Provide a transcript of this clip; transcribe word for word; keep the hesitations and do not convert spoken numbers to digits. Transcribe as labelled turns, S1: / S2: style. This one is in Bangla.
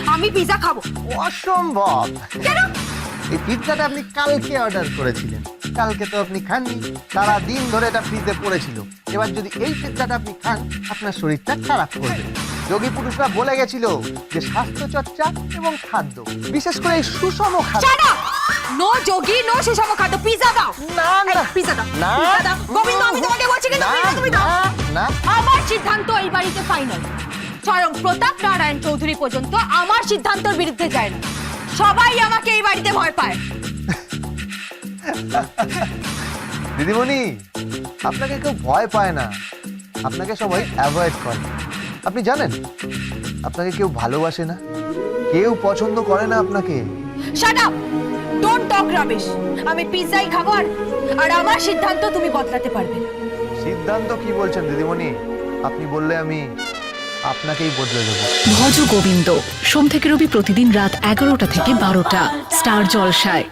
S1: আমি পিৎজা খাবো।
S2: অসম্ভব।
S1: কেন?
S2: এই পিৎজাটা আপনি কালকে অর্ডার করেছিলেন, কালকে তো আপনি খাননি, সারা দিন ধরে এটা ফ্রিজে পড়েছিল। এবার যদি এই পিৎজাটা আপনি খান, আপনার শরীরটা খারাপ করবে। যোগী পুরুষরা বলে গেছিল যে স্বাস্থ্য চর্চা এবং খাদ্য, বিশেষ করে এই সুষম খাদ্য।
S1: Shut up! নো যোগী, নো সুষম খাদ্য। পিৎজা দাও।
S2: না না
S1: পিৎজা দাও।
S2: না
S1: পিৎজা দাও। গোবিন্দ, আমি তোমাকে বলছি কিন্তু
S2: না,
S1: পিৎজা তুমি দাও।
S2: না, না।
S1: আমার সিদ্ধান্ত এই বাড়িতে ফাইনাল। স্বয়ং প্রতাপ নারায়ণ চৌধুরী পর্যন্ত আমার সিদ্ধান্তের বিরুদ্ধে যায় না। সবাই আমাকে এই বাড়িতে ভয় পায়।
S2: দিদিমণি, আপনাকে কেউ ভয় পায় না, আপনাকে সবাই অ্যাভয়েড করে। আপনি জানেন আপনাকে কেউ ভালোবাসে না, কেউ পছন্দ করে না আপনাকে।
S1: Shut up! Don't talk rubbish. আমি পিৎজাই খাবো আর আর আমার সিদ্ধান্ত তুমি বদলাতে পারবে না।
S2: সিদ্ধান্ত কি বলছেন দিদিমণি? আপনি বললে আমি আপনাকেই বদলে দেবো।
S3: ভজ গোবিন্দ সোম থেকে রবি প্রতিদিন রাত এগারোটা থেকে বারোটা স্টার জলসায়।